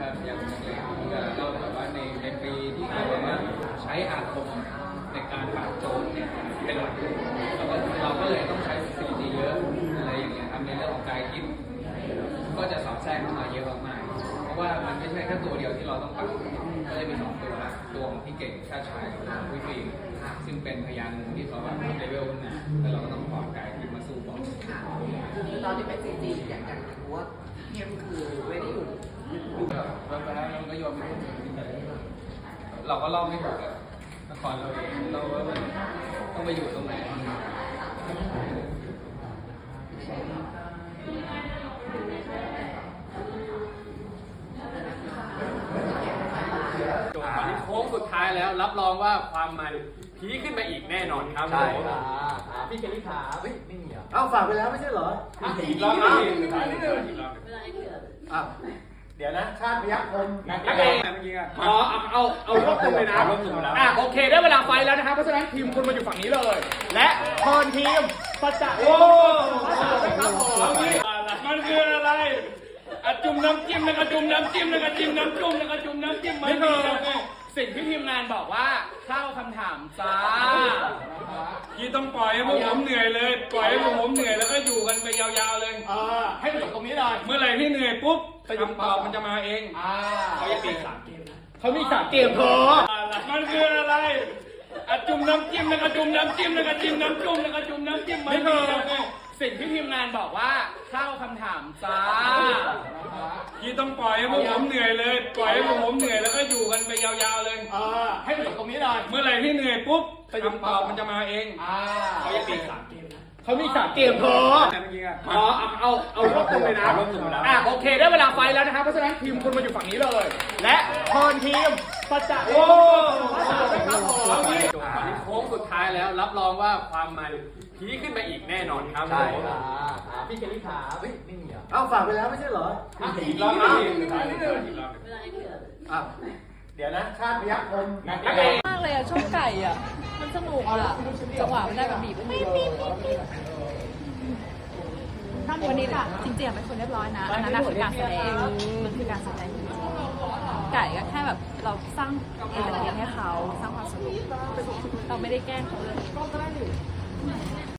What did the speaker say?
ยังเล่าแบบว่าในปีที่เขาแบบว่าใช้อาคมในการปราบโจรเนี่ยเป็นหลักเราก็เลยต้องใช้สถิติเยอะอะไรอย่างเงี้ยครับในเรื่องของการคิดก็จะสอดแทรกเข้ามาเยอะมากๆเพราะว่ามันไม่ใช่แค่ตัวเดียวที่เราต้องปรับก็จะมี2ตัวตัวของพี่เก่งชาติชายกับตัวของพี่ฟิล์มซึ่งเป็นพยานที่เขาแบบเลเวลขึ้นมาแล้วเราก็ต้องปลอดกายขึ้นมาสู้บอลคือตอนที่เป็นซีจีอย่างรู้ว่าเข้มคือไม่ได้อยู่แบบแล้วเราก็โยนไปเราก็เล่าไม่ถูกเลยละครเราเองเราว่าต้องไปอยู่ตรงไหนตอนนี้โค้งสุดท้ายแล้วรับรองว่าความมันพีคขึ้นไปอีกแน่นอนครับใช่ผมพี่เคลลี่ขาเฮ้ยไม่มีอ่ะเอ้าฝากไปแล้วไม่ใช่เหรออีกรอบนึงอีกรอบนึงอ้าวเดี๋ยวนะชาติพยัคฆ์คมนักเองเมื่อกี้อ่ะเอารวบตึงเลยนะโอเคได้เวลาไฟแล้วนะครับเพราะฉะนั้นทีมคุณมาอยู่ฝั่งนี้เลย และเทิร์นทีมสัจจะโอ้มันคืออะไรจุ่มน้ำจิ้มแล้วก็จุ่มน้ำจิ้มแล้วก็จิ้มน้ำจุ่มแล้วก็จุ่มน้ำจิ้มมันคือสิ่งที่ทีมงานบอกว่าเข้าคำถามจ้าที่ต้องปล่อยให้พวกผมเหนื่อยเลยปล่อยให้พวกผมเหนื่อยแล้วก็อยู่กันไปยาวๆเลยให้มันจบตรงนี้เลยเมื่อไหร่ที่เหนื่อยปุ๊บคำตอบมันจะมาเองเขาจะมี3 เกมนะเขามี3 เกมพอมันคืออะไรจุ่มน้ำจิ้มแล้วก็จุ่มน้ำจิ้มแล้วก็จิ้มน้ำจุ่มแล้วก็จุ่มน้ำจิ้มมันคือสิ่งที่ทีมงานบอกว่าเข้าคำถามจ้าที่ต้องปล่อยให้พวกผมเหนื่อยเลยปล่อยให้พวกผมเหนื่อยแล้วก็อยู่กันไปยาวๆเลยให้มันจบตรงนี้เลยเมื่อไหร่ที่เหนื่อยปุ๊บคำตอบมันจะมาเองเขาจะมี3 เกมนะเขามี3 เกมพอเอารวบตึงเลยนะโอเคได้เวลาไฟแล้วนะครับเพราะฉะนั้นทีมคุณมาอยู่ฝั่งนี้เลย และเทิร์นทีมสัจจะโอ้ตอนนี้โค้งสุดท้ายแล้วรับรองว่าความมันพีคขึ้นไปอีกแน่นอนครับใช่พี่เคลลี่ขาเฮ้ยไม่มีอ่ะเอ้าฝากไปแล้วไม่ใช่เหรออีกรอบนึงอ้าวเดี๋ยวนะชาติพยัคฆ์คมมากเลยอะชอบไก่อะมันสนุกอะจังหวะมันได้แบบบีบปี๊ดวันนี้ค่ะจริงๆเป็นคนเรียบร้อยนะอันนั้นคือการแสดงมันคือการแสดงจริงๆไก่ก็แค่แบบเราสร้างเอนเตอร์เทนให้เขาสร้างความสนุกเราไม่ได้แกล้งเขาเลย